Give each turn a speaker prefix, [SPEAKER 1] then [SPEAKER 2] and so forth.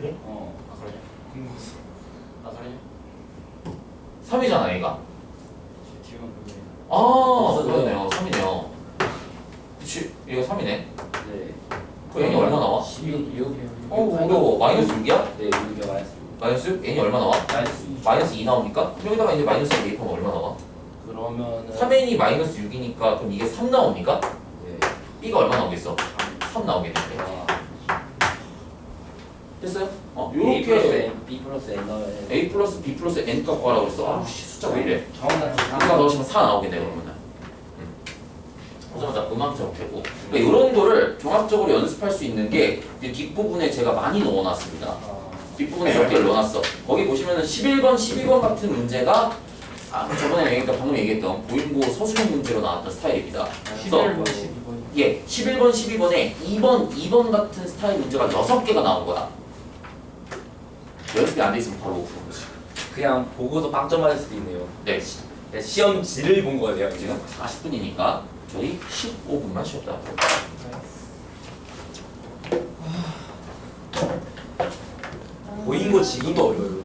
[SPEAKER 1] 그래?
[SPEAKER 2] 아 그러냐?
[SPEAKER 1] 궁금했어.
[SPEAKER 2] 아 그러냐?
[SPEAKER 3] 3이잖아 얘가.
[SPEAKER 2] 지금 그게
[SPEAKER 3] 그러네요. 3이네요. 그치? 얘가 3이네.
[SPEAKER 2] 네.
[SPEAKER 3] 그 n이 얼마 나와?
[SPEAKER 2] 16.
[SPEAKER 3] 어려워. 마이너스 6이야?
[SPEAKER 2] 네 6이 마이너스 6.
[SPEAKER 3] 마이너스 6? n이 얼마 나와?
[SPEAKER 2] 마이너스 2.
[SPEAKER 3] 마이너스 2 나옵니까? 그럼 여기다가 이제 마이너스 2 대입하면 얼마 나와?
[SPEAKER 2] 그러면은
[SPEAKER 3] 3n이 마이너스 6이니까 그럼 이게 3 나옵니까?
[SPEAKER 2] 네.
[SPEAKER 3] b가 얼마 나오겠어? 3 나오겠는데.
[SPEAKER 2] 와.
[SPEAKER 3] 됐어요?
[SPEAKER 2] A 플러스
[SPEAKER 3] 요렇게
[SPEAKER 2] N, B 플러스 N 넣어야
[SPEAKER 3] a 플러스 b 플러스 n 값 구하라고 했어. 아우씨 숫자 왜 이래?
[SPEAKER 2] 정확한
[SPEAKER 3] 아까 넣으시면 4 나오겠네 그러면은. 그러자마자 음함수형 되고. 그러니까 이런 거를 종합적으로 연습할 수 있는 게 뒷부분에 제가 많이 넣어놨습니다. 뒷부분에 몇 개를 넣어놨어. 거기 보시면은 11번, 12번 같은 문제가 저번에 얘기했던 방금 얘기했던 고인고 서술형 문제로 나왔던 스타일입니다. 그래서
[SPEAKER 1] 11번, 12번.
[SPEAKER 3] 예, 11번, 12번에 2번 같은 스타일 문제가 6개가 나온 거야. 연습이 안 돼 있으면 바로 푸는 거지.
[SPEAKER 2] 그냥 보고도 빵점 맞을 수도 있네요.
[SPEAKER 3] 네,
[SPEAKER 2] 시험지를 본 거예요 지금.
[SPEAKER 3] 40분이니까 저희 15분만 쉬었다.
[SPEAKER 2] 보인 거 지금도 어려워요.